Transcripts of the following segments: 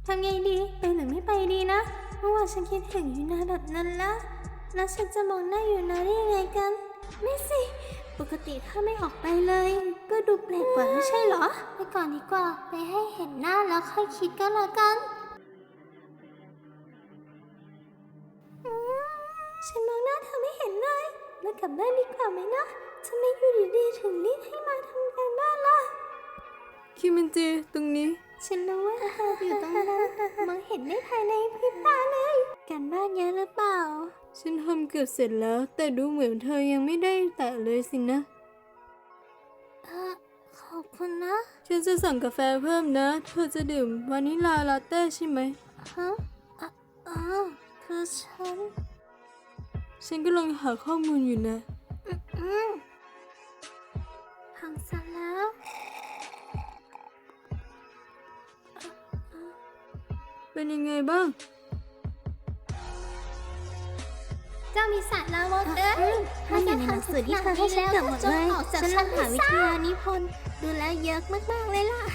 ำไงดีไปหรือไม่ไปดีนะเมื่อวานฉันคิดถึงยูนาแบบนั้นแล้วฉันจะมองหน้ายูนาได้ยังไงกันไม่สิปกติถ้าไม่ออกไปเลยก็ดูแปลกกว่าไม่ใช่เหรอไปก่อนดีกว่าไปให้เห็นหน้าแล้วค่อยคิดก็แล้วกันฉันมองหน้าเธอไม่เห็นเลยแล้วกลับบ้านดีกว่าไหมนะทำไมอยู่ดีๆถึงรีบให้มาทำการบ้านล่ะคิมินจิตรงนี้ฉันรู้ว่าเธออยู่ตรงนั้นมองเห็นได้ภายในพริบตาเลยการบ้านเยอะหรือเปล่าฉันทำเกือบเสร็จแล้วแต่ดูเหมือนเธอยังไม่ได้แตะเลยสินะขอบคุณนะฉันจะสั่งกาแฟเพิ่มนะเธอจะดื่มวานิลาลาเต้ใช่ไหมฮะคือฉันกำลังหาข้อมูลอยู่นะพังซะแล้วเป็นยังไงบ้างเจ้ามีสารลามกมันอยู่ในหนังสือที่เธอให้ฉันเกือบหมดเลยฉันลองหาวิทยานิพนธ์ดูแลเยอะมากๆเลยล่ะ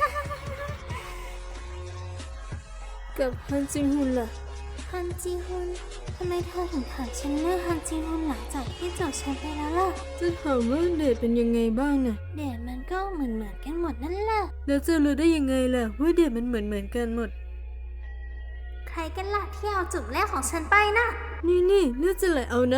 กับฮันจิงฮุนล่ะฮันจีฮุนทำไมเธอถึงถามฉันเรื่องฮันจีฮุนหลังจากที่จบฉันไปแล้วล่ะจะถามว่าเดทเป็นยังไงบ้างน่ะเดทมันก็เหมือนกันหมดนั่นแหละแล้วจะรู้ได้ยังไงล่ะว่าเดทมันเหมือนกันหมดใครกันล่ะที่เอาจุดแรกของฉันไปนะนี่เลือดจะไหลเอานะ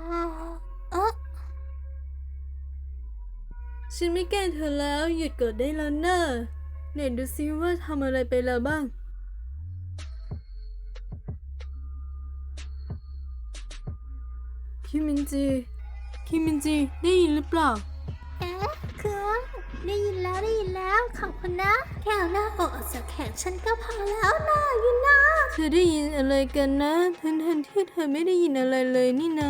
ฉันไม่แกล้งเธอแล้วหยุดกดได้แล้วนะไหนดูซิว่าทำอะไรไปแล้วบ้างคิมินจิได้ยินหรือเปล่าคือว่าได้ยินแล้วขอบคุณนะแค่เอาหน้าอกออกจากแขนฉันก็พอแล้วนะยูนาเธอได้ยินอะไรกันนะทันที่เธอไม่ได้ยินอะไรเลยนี่นา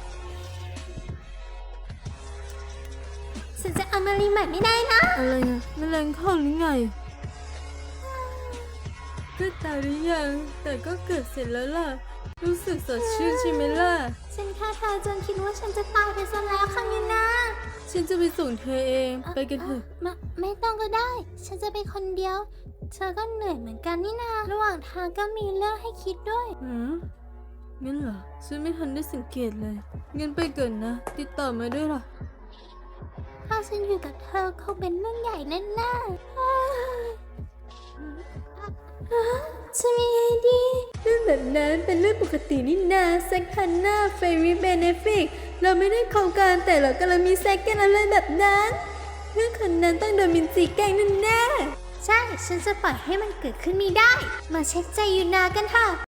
ฉันจะเอามารีใหม่ไม่ได้นะอะไรอะแมลงเข้าหรือไงก็ตายหรือยังแต่ก็เกิดเสร็จแล้วล่ะรู้สึกสดชื่นใช่ไหมล่ะฉันฆ่าเธอจนคิดว่าฉันจะตายไปซะแล้วค่ะยูนาฉันจะไปส่งเธอเองไปกันเถอะไม่ต้องก็ได้ฉันจะไปคนเดียวเธอก็เหนื่อยเหมือนกันนี่นาระหว่างทางก็มีเรื่องให้คิดด้วยงั้นเหรอฉันไม่ทันได้สังเกตเลยงั้นไปก่อนนะติดต่อมาด้วยล่ะถ้าฉันอยู่กับเธอคงเป็นเรื่องใหญ่แน่ๆจะมีไงดีเรื่องแบบนั้นเป็นเรื่องปกตินี่นาเซ็กฮันน่าเฟรีเบเนฟิกเราไม่ได้โครงการแต่เรากำลังมีเซ็กกันอะไรแบบนั้นเรื่องคนนั้นต้องโดนมินจีแกล้งแน่ใช่ฉันจะปล่อยให้มันเกิดขึ้นไม่ได้มาเช็คใจยูนากันค่ะ